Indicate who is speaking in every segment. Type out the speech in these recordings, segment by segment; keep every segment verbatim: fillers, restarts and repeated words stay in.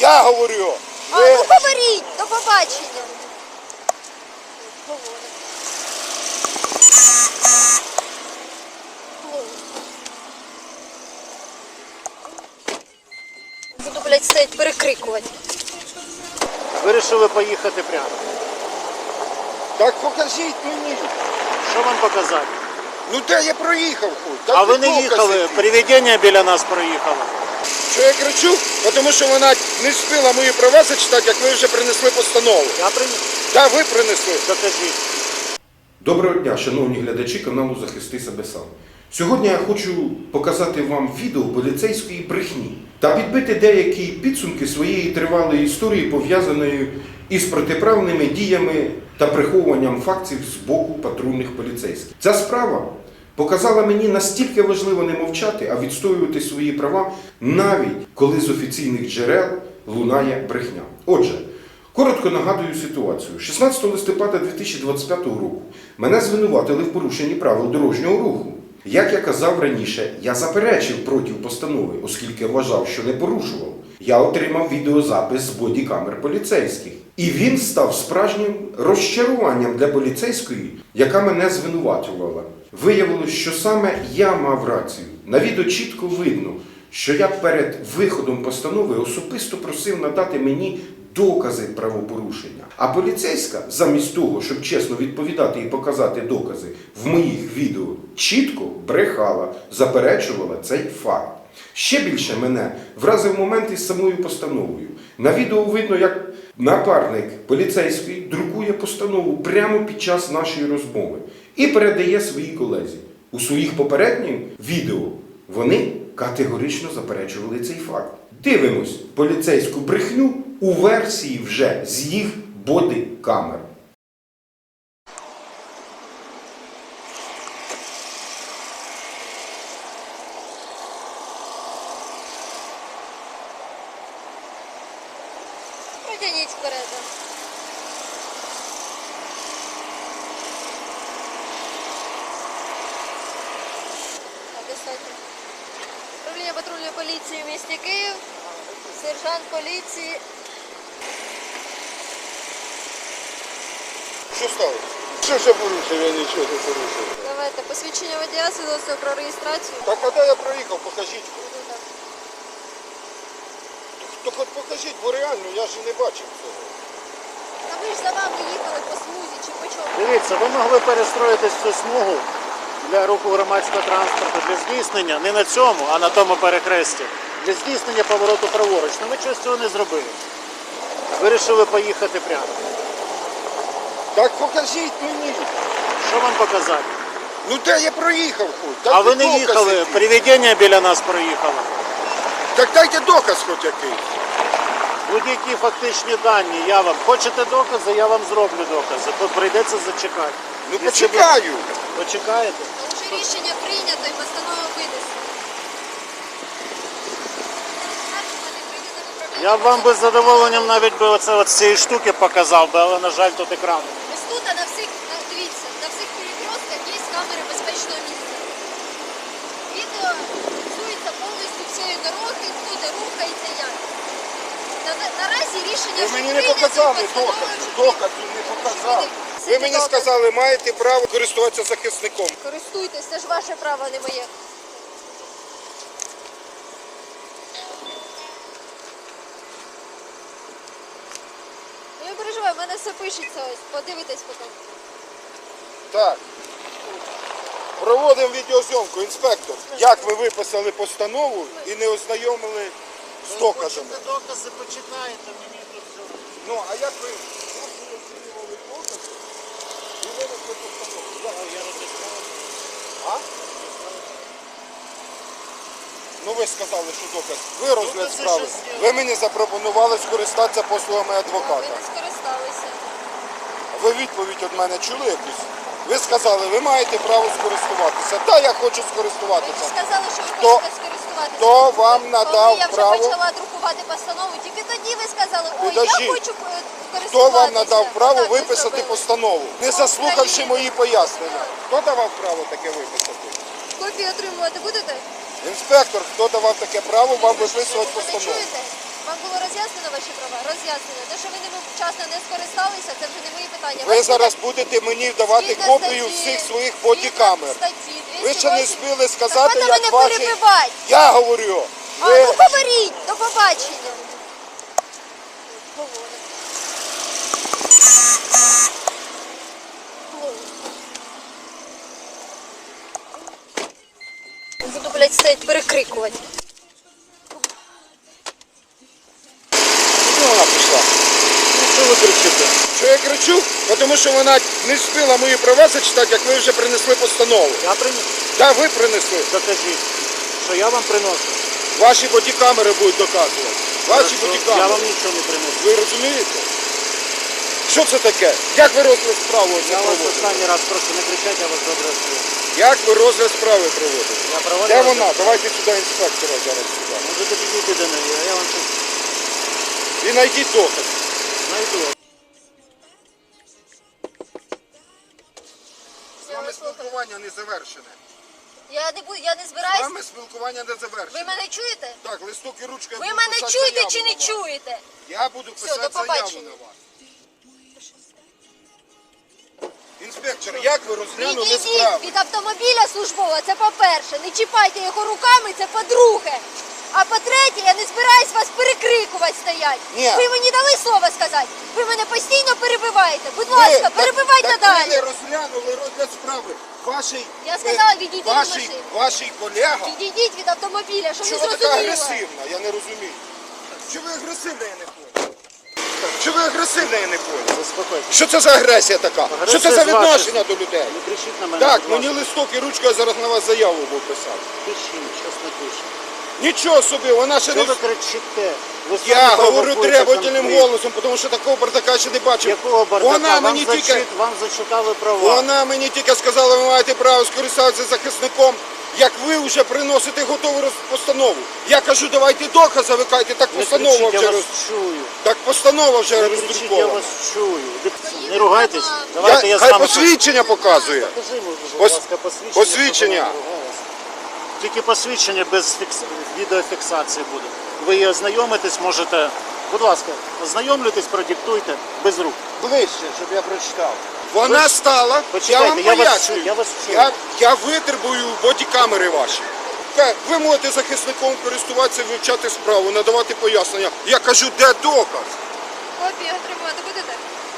Speaker 1: Я говорю.
Speaker 2: А,
Speaker 1: Ви...
Speaker 2: ну говоріть, до побачення. Говорить. Буду, блядь, стоять перекрикувати.
Speaker 3: Вирішили поїхати прямо.
Speaker 1: Так покажіть мені.
Speaker 3: Що вам показати?
Speaker 1: Ну де я проїхав хоч? Так
Speaker 3: А ви не
Speaker 1: докази.
Speaker 3: їхали, привідення біля нас проїхало.
Speaker 1: Що я кричу? Тому що вона не встигла мої права зачитати, як ви вже принесли постанову.
Speaker 3: Я приніс.
Speaker 1: Так, ви принесли.
Speaker 3: Докажіть.
Speaker 4: Доброго дня, шановні глядачі каналу Захисти себе сам. Сьогодні я хочу показати вам відео поліцейської брехні та підбити деякі підсумки своєї тривалої історії, пов'язаної із протиправними діями та приховуванням фактів з боку патрульних поліцейських. Ця справа показала мені настільки важливо не мовчати, а відстоювати свої права, навіть коли з офіційних джерел лунає брехня. Отже, коротко нагадую ситуацію. шістнадцятого листопада дві тисячі двадцять п'ятого року мене звинуватили в порушенні правил дорожнього руху. Як я казав раніше, я заперечив проти постанови, оскільки вважав, що не порушував. Я отримав відеозапис з бодікамер поліцейських. І він став справжнім розчаруванням для поліцейської, яка мене звинувачувала. Виявилось, що саме я мав рацію. На відео чітко видно, що я перед виходом постанови особисто просив надати мені докази правопорушення. А поліцейська, замість того, щоб чесно відповідати і показати докази в моїх відео, чітко брехала, заперечувала цей факт. Ще більше мене вразив момент із самою постановою. На відео видно, як напарник поліцейський друкує постанову прямо під час нашої розмови і передає своїй колезі. У своїх попередніх відео вони категорично заперечували цей факт. Дивимось поліцейську брехню у версії вже з їх бодикамер.
Speaker 2: Протягніть вперед. Так, достатньо. Управління патрульної поліції в місті Київ. Сержант поліції.
Speaker 1: Що сталося? Що ж я порушив? Я нічого не порушив.
Speaker 2: Давайте посвідчення водія, свідоцтво про реєстрацію.
Speaker 1: Так а де я проїхав? Покажіть. То хоч покажіть, бо реально я ж не бачив цього.
Speaker 2: Та ви ж за вами їхали по смузі чи по чому?
Speaker 3: Дивіться, ви могли перестроїтись в цю смугу для руху громадського транспорту, для здійснення не на цьому, а на тому перехресті. Для здійснення повороту праворуч. Ну ви чогось цього не зробили. Вирішили поїхати прямо.
Speaker 1: Так покажіть мені.
Speaker 3: Що вам показати?
Speaker 1: Ну де я проїхав хоч? Так
Speaker 3: А ви не
Speaker 1: докази
Speaker 3: їхали,
Speaker 1: якісь.
Speaker 3: привідення біля нас проїхало.
Speaker 1: Так дайте доказ хоч якийсь.
Speaker 3: Будь-які фактичні дані, я вам. Хочете докази, я вам зроблю докази. Тут прийдеться зачекати.
Speaker 1: Ну
Speaker 3: Якщо ви
Speaker 1: почекаю.
Speaker 3: Почекаєте?
Speaker 2: Вже рішення прийнято і постанова винесена.
Speaker 3: Я б вам би з задоволенням навіть би оце от з цієї штуки показав би, але, на жаль, тут екран.
Speaker 2: Ось тут на всіх, на- дивіться, на всіх перекрестках є камери безпечного місця. Відео фіксується повністю всієї дороги, хто де рухається, як. На, на, наразі рішення
Speaker 1: Ви
Speaker 2: вже
Speaker 1: мені не
Speaker 2: прийнято,
Speaker 1: показали
Speaker 2: постанова
Speaker 1: доказів.
Speaker 2: вже
Speaker 1: Доказів не показали.
Speaker 2: Це
Speaker 1: Ви мені
Speaker 2: доказ.
Speaker 1: сказали, маєте право користуватися захисником.
Speaker 2: Користуйтесь, це ж ваше право, а не моє. Ну, не переживай, в мене все пишеться ось, подивитесь потім.
Speaker 1: Так. Проводимо відеозйомку. Інспектор, як ви виписали постанову і не ознайомили з доказами?
Speaker 3: Хочете докази, почитаєте, мені тут все.
Speaker 1: Ну, а як ви, як ви оцінювали докази і винесли постанову? Як?
Speaker 3: Я розіслав.
Speaker 1: А? Ну ви сказали, що доказ. Ви розгляд
Speaker 3: Докази
Speaker 1: справи.
Speaker 3: ще зняли.
Speaker 1: Ви мені запропонували скористатися послугами
Speaker 2: Ви
Speaker 1: адвоката.
Speaker 2: не скористалися.
Speaker 1: Ви відповідь від мене чули якусь? Ви сказали, ви маєте право скористуватися. Та я хочу
Speaker 2: Ви
Speaker 1: скористуватися.
Speaker 2: сказали, що ви
Speaker 1: Хто-
Speaker 2: хочете скористуватися.
Speaker 1: хто вам надав
Speaker 2: Коли я вже
Speaker 1: право?
Speaker 2: почала друкувати постанову, тільки тоді ви сказали, ой,
Speaker 1: Підождіть.
Speaker 2: я хочу е, користуватися.
Speaker 1: Хто вам надав право
Speaker 2: Отак ви
Speaker 1: виписати
Speaker 2: зробили.
Speaker 1: постанову, не
Speaker 2: Закон
Speaker 1: заслухавши
Speaker 2: України.
Speaker 1: мої пояснення? Хто давав право таке виписати?
Speaker 2: Копію отримувати будете?
Speaker 1: Інспектор, хто давав таке право вам виписувати
Speaker 2: Ви
Speaker 1: постанову?
Speaker 2: чуєте? Вам було роз'яснено ваші права? Роз'яснено. Те, що ви ними вчасно не скористалися, це вже не мої питання.
Speaker 1: Ви
Speaker 2: Вас
Speaker 1: зараз
Speaker 2: буде-
Speaker 1: будете мені давати
Speaker 2: Згідно
Speaker 1: копію
Speaker 2: статті-
Speaker 1: всіх своїх
Speaker 2: згідно
Speaker 1: бодікамер.
Speaker 2: статті
Speaker 1: Ви ще не
Speaker 2: двісті восемь.
Speaker 1: спіли
Speaker 2: Так
Speaker 1: сказати,
Speaker 2: можна
Speaker 1: як
Speaker 2: мене
Speaker 1: ваші...
Speaker 2: перебивати.
Speaker 1: Я говорю.
Speaker 2: А
Speaker 1: Ви...
Speaker 2: ну говоріть, до побачення. Говорить. Буду, блядь, стоять перекрикувати.
Speaker 1: Куди вона пішла?
Speaker 3: Ну, що ви кричите?
Speaker 1: Що я кричу? Бо Тому що вона не встигла мої права зачитати, як ви вже принесли постанову.
Speaker 3: Я приніс.
Speaker 1: Так, ви принесли.
Speaker 3: Докажіть, що я вам приношу.
Speaker 1: Ваші бодікамери будуть доказувати. Ваші
Speaker 3: Хорошо,
Speaker 1: бодікамери.
Speaker 3: я вам нічого не приношу.
Speaker 1: Ви розумієте? Що це таке? Як ви розгляд справи оце
Speaker 3: Я вас
Speaker 1: проводите?
Speaker 3: останній раз прошу не кричати, я вас добре чую.
Speaker 1: Як ви розгляд справи проводите?
Speaker 3: Я проводив.
Speaker 1: Де вона? Давайте сюди інспектора зараз сюди.
Speaker 3: Можете підійти до неї, а я вам щось
Speaker 1: І знайдіть доказ.
Speaker 3: знайду.
Speaker 1: З вами спілкування не завершене.
Speaker 2: Я не буду, я не
Speaker 1: З
Speaker 2: збираюсь.
Speaker 1: вами спілкування не
Speaker 2: Ви
Speaker 1: завершене.
Speaker 2: мене чуєте?
Speaker 1: Так, листок і ручка. я
Speaker 2: Ви
Speaker 1: буду
Speaker 2: мене
Speaker 1: писати
Speaker 2: чуєте
Speaker 1: заяву
Speaker 2: чи
Speaker 1: на
Speaker 2: не
Speaker 1: вас.
Speaker 2: чуєте?
Speaker 1: Я буду
Speaker 2: Все,
Speaker 1: писати
Speaker 2: до
Speaker 1: заяву
Speaker 2: побачення.
Speaker 1: на вас. Інспектор, як ви розглянули
Speaker 2: Відійдіть
Speaker 1: справу?
Speaker 2: від автомобіля службового, це по-перше. Не чіпайте його руками, це по-друге. А по-третє, я не збираюсь вас перекрикувати стоять.
Speaker 1: Ні.
Speaker 2: Ви мені дали слово сказати. Ви мене постійно перебиваєте. Будь ласка,
Speaker 1: Ви-
Speaker 2: перебивайте
Speaker 1: так, так Ви
Speaker 2: далі.
Speaker 1: не розглянули розгляд справи. Ваший,
Speaker 2: Я сказала,
Speaker 1: е,
Speaker 2: відійдіть від
Speaker 1: ваший,
Speaker 2: машини.
Speaker 1: ваший колега.
Speaker 2: Відійдіть від автомобіля, щоб не
Speaker 1: Чого ви така
Speaker 2: зрозуміло.
Speaker 1: агресивна? Я не розумію. Чого ви агресивна, я не понял. Чого ви агресивна, я не понял.
Speaker 3: Заспокойтесь.
Speaker 1: Що це за агресія така?
Speaker 3: Агресія
Speaker 1: Що це за
Speaker 3: з вашої
Speaker 1: відношення до людей?
Speaker 3: Не кричіть на мене.
Speaker 1: Так,
Speaker 3: будь
Speaker 1: мені
Speaker 3: ласка.
Speaker 1: листок і ручка, я зараз на вас заяву буду писати.
Speaker 3: Пишіть, щось напишіть.
Speaker 1: Нічого собі, вона ще
Speaker 3: Що
Speaker 1: не...
Speaker 3: ви кричите? Ви
Speaker 1: Я
Speaker 3: самі
Speaker 1: говорю
Speaker 3: провокуєте
Speaker 1: требовательним
Speaker 3: конфлікт.
Speaker 1: голосом, тому що такого бардака ще не бачив.
Speaker 3: Якого бардака?
Speaker 1: Вона
Speaker 3: Вам,
Speaker 1: мені
Speaker 3: зачит...
Speaker 1: тільки...
Speaker 3: Вам зачитали права.
Speaker 1: Вона мені тільки сказала, ви маєте право скористатися захисником, як ви вже приносите готову роз- постанову. Я кажу, давайте докази, ви кажете, так
Speaker 3: Не
Speaker 1: постанова
Speaker 3: кричіть, я
Speaker 1: вже
Speaker 3: вас
Speaker 1: роз...
Speaker 3: чую.
Speaker 1: Так постанова вже
Speaker 3: Не кричіть, я
Speaker 1: роздрукована.
Speaker 3: вас чую. Не ругайтесь.
Speaker 2: права.
Speaker 3: Давайте я,
Speaker 1: Я,
Speaker 3: з
Speaker 1: хай
Speaker 3: вами...
Speaker 1: посвідчення показує.
Speaker 3: Покажи, будь
Speaker 1: Пос-
Speaker 3: ласка, посвідчення.
Speaker 1: посвідчення.
Speaker 3: щоб вона не ругалась. Тільки посвідчення без фікс... відеофіксації буде. Ви її ознайомитесь, можете... Будь ласка, ознайомлюйтесь, продиктуйте, без рук.
Speaker 1: Ближче, щоб я прочитав. Вона
Speaker 3: Ви-
Speaker 1: стала,
Speaker 3: Почекайте,
Speaker 1: я вам
Speaker 3: я вас
Speaker 1: пояснюю.
Speaker 3: чую, я вас чую.
Speaker 1: Я, я витребую бодікамери ваші. Ка- Ви можете захисником користуватися, вивчати справу, надавати пояснення. Я кажу, де доказ?
Speaker 2: Копію отримувати будете?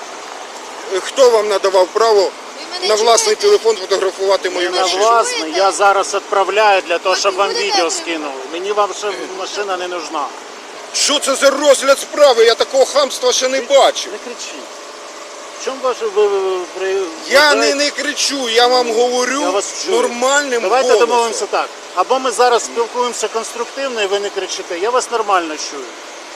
Speaker 1: Е, Хто вам надавав право
Speaker 2: Ви мене
Speaker 1: на власний
Speaker 2: чуєте?
Speaker 1: телефон фотографувати мою
Speaker 2: мене
Speaker 3: На
Speaker 1: машину?
Speaker 2: чуєте?
Speaker 3: власне, я зараз відправляю для того,
Speaker 2: Так
Speaker 3: щоб
Speaker 2: ви
Speaker 3: вам
Speaker 2: будете
Speaker 3: відео
Speaker 2: отримувати?
Speaker 3: скинули. Мені вам ще машина не нужна.
Speaker 1: Що це за розгляд справи? Я такого хамства ще не бачив.
Speaker 3: Не кричіть. В чому ваше ви, ви, при...
Speaker 1: Я
Speaker 3: ви
Speaker 1: не,
Speaker 3: знаєте,
Speaker 1: не кричу, я вам говорю
Speaker 3: я вас чую.
Speaker 1: нормальним
Speaker 3: Давайте
Speaker 1: голосом.
Speaker 3: домовимося так. Або ми зараз спілкуємося конструктивно і ви не кричите. Я вас нормально чую.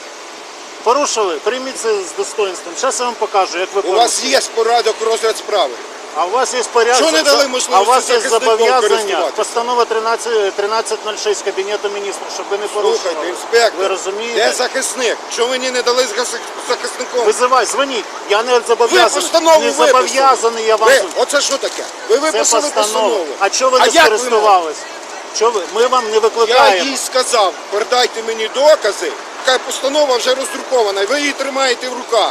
Speaker 3: Порушили? Прийміть це з достоинством. Зараз я вам покажу, як ви
Speaker 1: У
Speaker 3: порушили.
Speaker 1: вас є порядок розгляд справи.
Speaker 3: А у вас є порядок.
Speaker 1: Що не дали можливості
Speaker 3: А у вас є
Speaker 1: захисником
Speaker 3: зобов'язання.
Speaker 1: користуватися?
Speaker 3: Постанова тринадцять тринадцять нуль шість Кабінету міністрів, щоб ви не порушували.
Speaker 1: Слухайте, інспектор,
Speaker 3: Ви розумієте?
Speaker 1: де захисник? Що мені не дали з захис- захисником?
Speaker 3: Визивай, дзвоніть. Я не
Speaker 1: Ви
Speaker 3: зобов'язаний.
Speaker 1: постанову
Speaker 3: Не
Speaker 1: виписали.
Speaker 3: зобов'язаний я вам.
Speaker 1: Ви, оце що таке? Ви
Speaker 3: Це
Speaker 1: виписали
Speaker 3: постанова.
Speaker 1: постанову.
Speaker 3: А чого ви не
Speaker 1: як ви
Speaker 3: скористувались? Чого ви? Ми вам не
Speaker 1: Я
Speaker 3: викликаємо.
Speaker 1: їй сказав, передайте мені докази. Така постанова вже роздрукована, і ви її тримаєте в руках.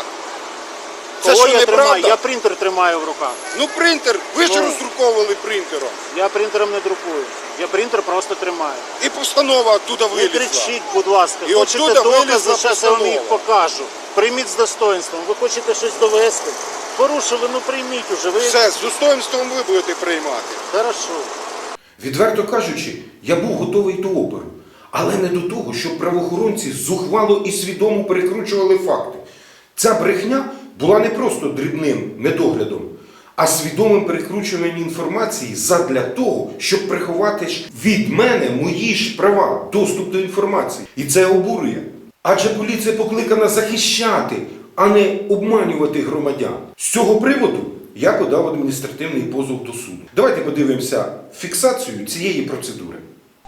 Speaker 1: Це
Speaker 3: Кого
Speaker 1: що,
Speaker 3: я тримаю?
Speaker 1: неправда?
Speaker 3: Я принтер тримаю в руках.
Speaker 1: Ну принтер, ви ж
Speaker 3: Ну.
Speaker 1: роздруковували принтером.
Speaker 3: Я принтером не друкую. Я принтер просто тримаю.
Speaker 1: І постанова оттуда
Speaker 3: Не
Speaker 1: вилізла.
Speaker 3: кричіть, будь ласка.
Speaker 1: І
Speaker 3: Хочете
Speaker 1: оттуда
Speaker 3: докази,
Speaker 1: вилізла
Speaker 3: зараз я вам їх
Speaker 1: постанова.
Speaker 3: покажу. Прийміть з достоинством. Ви хочете щось довести? Порушили, ну прийміть уже. Ви...
Speaker 1: Все, з достоинством ви будете приймати.
Speaker 3: Хорошо.
Speaker 4: Відверто кажучи, я був готовий до опору, але не до того, щоб правоохоронці зухвало і свідомо перекручували факти. Ця брехня була не просто дрібним недоглядом, а свідомим перекручуванням інформації задля того, щоб приховати ж від мене мої ж права, доступ до інформації. І це обурює. Адже поліція покликана захищати, а не обманювати громадян. З цього приводу я подав адміністративний позов до суду. Давайте подивимося фіксацію цієї процедури.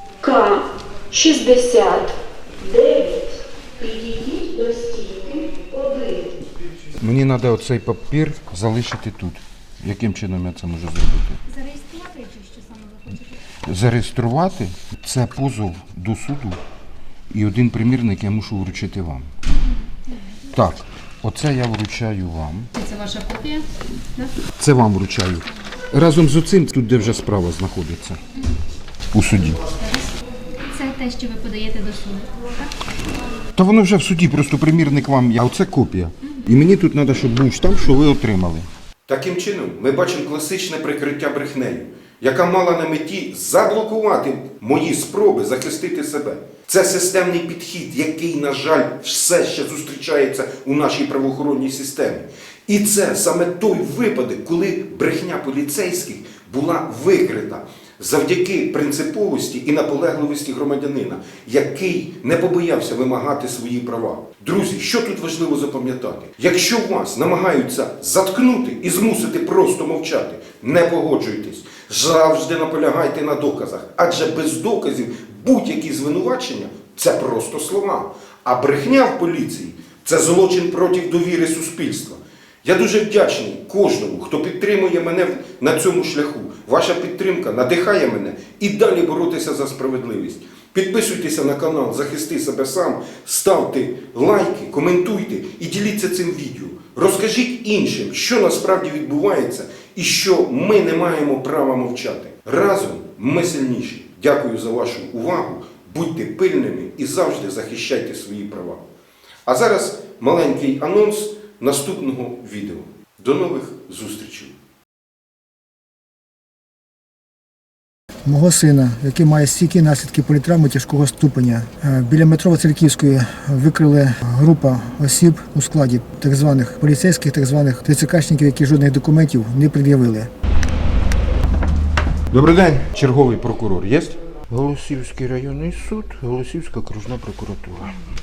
Speaker 5: К шістдесят дев'ять. Підійдіть до стійки один.
Speaker 6: Мені треба оцей папір залишити тут. Яким чином я це можу зробити?
Speaker 7: Зареєструвати чи що саме ви хочете?
Speaker 6: Зареєструвати це позов до суду і один примірник я мушу вручити вам. Так, оце я вручаю вам.
Speaker 7: Це ваша копія? Так?
Speaker 6: Це вам вручаю. Разом з оцим, тут де вже справа знаходиться. У суді.
Speaker 7: Це те, що ви подаєте до суду. Так?
Speaker 6: Та воно вже в суді, просто примірник вам, а оце копія. І мені тут треба, щоб був штамп, що ви отримали.
Speaker 4: Таким чином, ми бачимо класичне прикриття брехнею, яка мала на меті заблокувати мої спроби захистити себе. Це системний підхід, який, на жаль, все ще зустрічається у нашій правоохоронній системі. І це саме той випадок, коли брехня поліцейських була викрита завдяки принциповості і наполегливості громадянина, який не побоявся вимагати свої права. Друзі, що тут важливо запам'ятати? Якщо вас намагаються заткнути і змусити просто мовчати, не погоджуйтесь. Завжди наполягайте на доказах, адже без доказів будь-які звинувачення – це просто слова. А брехня в поліції – це злочин проти довіри суспільства. Я дуже вдячний кожному, хто підтримує мене на цьому шляху. Ваша підтримка надихає мене і далі боротися за справедливість. Підписуйтеся на канал «Захисти себе сам», ставте лайки, коментуйте і діліться цим відео. Розкажіть іншим, що насправді відбувається і що ми не маємо права мовчати. Разом ми сильніші. Дякую за вашу увагу, будьте пильними і завжди захищайте свої права. А зараз маленький анонс наступного відео. До нових зустрічей!
Speaker 8: Мого сина, який має стійкі наслідки політравми тяжкого ступеня. Е, Біля метро Васильківської викрили група осіб у складі так званих поліцейських, так званих ТЦКшників, які жодних документів не пред'явили.
Speaker 6: Добрий день, черговий прокурор є? Голосівський районний суд, Голосівська окружна прокуратура.